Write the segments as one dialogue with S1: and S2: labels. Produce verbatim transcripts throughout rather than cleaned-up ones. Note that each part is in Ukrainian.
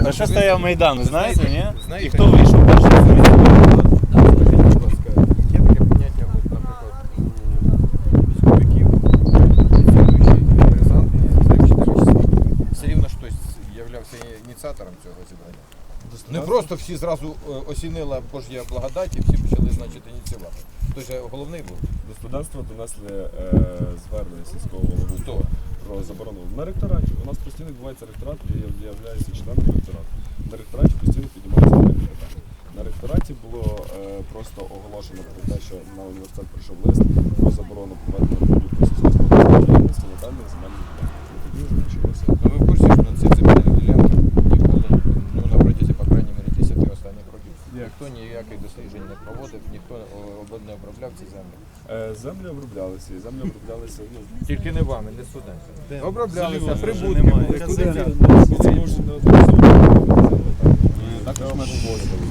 S1: За що стояв Майдан, ви знаєте, ні?
S2: Знаєте,
S1: І хто вийшов перший?
S2: Будь ласка, є таке поняття, от, наприклад, у військовиків, слідуючий інтересант, все рівно хтось являвся ініціатором цього зібрання. Не просто всі зразу осінила Божя благодать і всі почали, значить, ініціювати. Хтось же головний був.
S3: До студентства донесли е, звернення сільського голови про заборону. На ректораті. У нас постійно відбувається ректорат, я являюся членом ректорату. На ректораті постійно піднімаються такі питання. На ректораті було е, просто оголошено про те, що на університет прийшов лист про заборону проведення будь-якої сільськогосподарської діяльності на даних земельних ділянках. І тоді вже почалося.
S2: Ну, ви в курсі, що на ці земельні ділянки ніколи, ну, на протязі, по крайній мірі, десяти останніх років, ніхто ніяких досліджень не проводив, ніхто не обробляв ці землі.
S3: Е, землі оброблялися, і землі оброблялися, ну,
S2: Тільки не вами, не студентами. Оброблялися,
S1: Вже
S2: прибутки
S1: немає.
S2: були. Куди
S3: це
S2: взяти?
S3: це може не одразу. Також ми вивозили.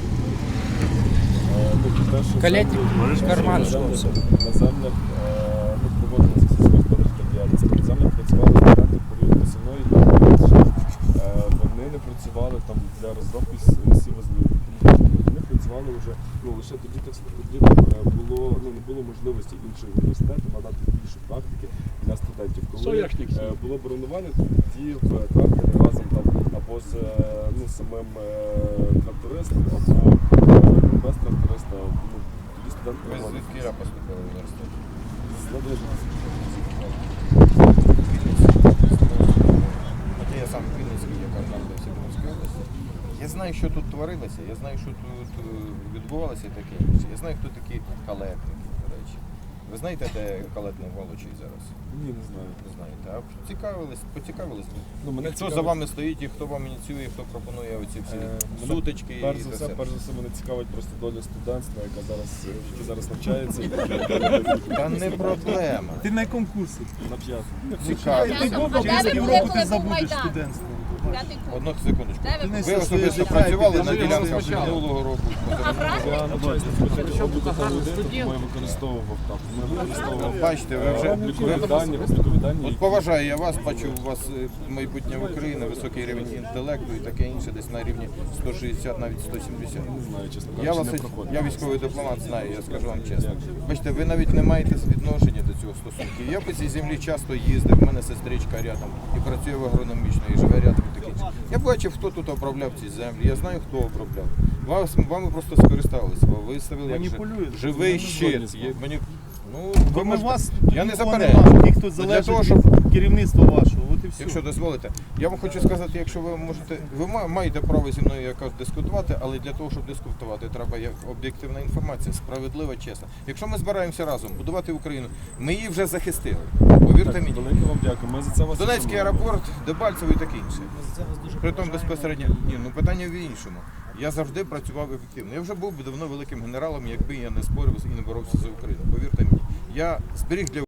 S4: Калетник, карман,
S3: на
S4: що
S3: землях,
S4: все.
S3: на землях е, ну, проводилася сільськогосподарська діяльність. На землях працювали студенти в період посівної діяльності. Е, Вони не працювали там для розробки сівозмін. Вони працювали вже, ну, лише тоді, так, тоді е, було, ну, не було можливості інших університетів надати більше практики для студентів. Коли е, було бронювання, тоді в тракторі разом там або з е, ну, самим е, трактористом, або е, без тракториста, ну, тоді студенти
S2: Ви звідки я поступили в університет? Хоча я сам Вінницький, я кажу, в Сибірській області. Я знаю, що тут творилося, я знаю, що тут відбувалося і таке інше. Я знаю, хто такі калетники, до речі. Ви знаєте, де калетний Волочий зараз?
S3: Ні, не знаю.
S2: Не знаєте. А цікавились, поцікавились?
S3: Ну, мене
S2: Хто
S3: цікавить-
S2: за вами стоїть і хто вам ініціює, хто пропонує оці всі
S3: Е, мене
S2: сутички
S3: Перш
S2: і
S3: за
S2: це
S3: все,
S2: все?
S3: перш за все, мене цікавить просто доля студентства, яка зараз, е, яке зараз навчається.
S2: Та не проблема.
S5: Ти на якому курсі?
S3: На п'ятому.
S2: Цікаво.
S5: Через півроку ти забудеш студентство.
S2: Одну секундочку.
S5: Ти не
S2: Ви
S5: все
S2: особисто
S5: своє
S2: працювали
S5: життя
S2: на
S5: підеш
S2: ділянках
S5: спочатку.
S2: минулого року?
S3: Я навчаюся спочатку обліку холодильник, тому я використовував так. Ми використовував
S2: Бачите, ви вже
S3: облікові дані, облікові дані.
S2: От поважаю я вас, бачу у вас е, майбутнє в Україні, високий рівень інтелекту і таке інше, десь на рівні сто шістдесят, навіть сто сімдесят.
S3: Не знаю, чесно
S2: Я
S3: кажучи,
S2: вас,
S3: не проходив.
S2: я військовий дипломат знаю, я скажу вам чесно. Бачите, ви навіть не маєте відношення до цього стосунків. Я по цій землі часто їздив, в мене сестричка рядом і працює в агрономічно, і живе рядом і таке інше. Я бачив, хто тут обробляв ці землі, я знаю, хто обробляв. Вас, вами просто скористалися, ви виставили як
S5: Маніпулюєте.
S2: жи- живий
S5: Ви
S2: щит. Є- мені- Ну,
S5: Бо
S2: ви
S5: ми
S2: можете-
S5: вас
S2: я не
S5: нікого
S2: заперечую.
S5: нема. Ті, хто
S2: Для
S5: залежить
S2: того, щоб
S5: від керівництва вашого. От і все.
S2: Якщо дозволите, я вам хочу сказати, якщо ви можете, ви ма- маєте право зі мною якось дискутувати, але для того, щоб дискутувати, треба як об'єктивна інформація, справедлива, чесна. Якщо ми збираємося разом будувати Україну, ми її вже захистили. Повірте
S3: Так,
S2: мені.
S3: велике вам дякую. Ми за це вас
S2: Донецький
S3: шануємо.
S2: аеропорт, Дебальцево і таке інше. Притом безпосередньо, ні, ну питання в іншому. Я завжди працював ефективно. Я вже був би давно великим генералом, якби я не спорив і не боровся за Україну. Повірте мені. Я зберіг для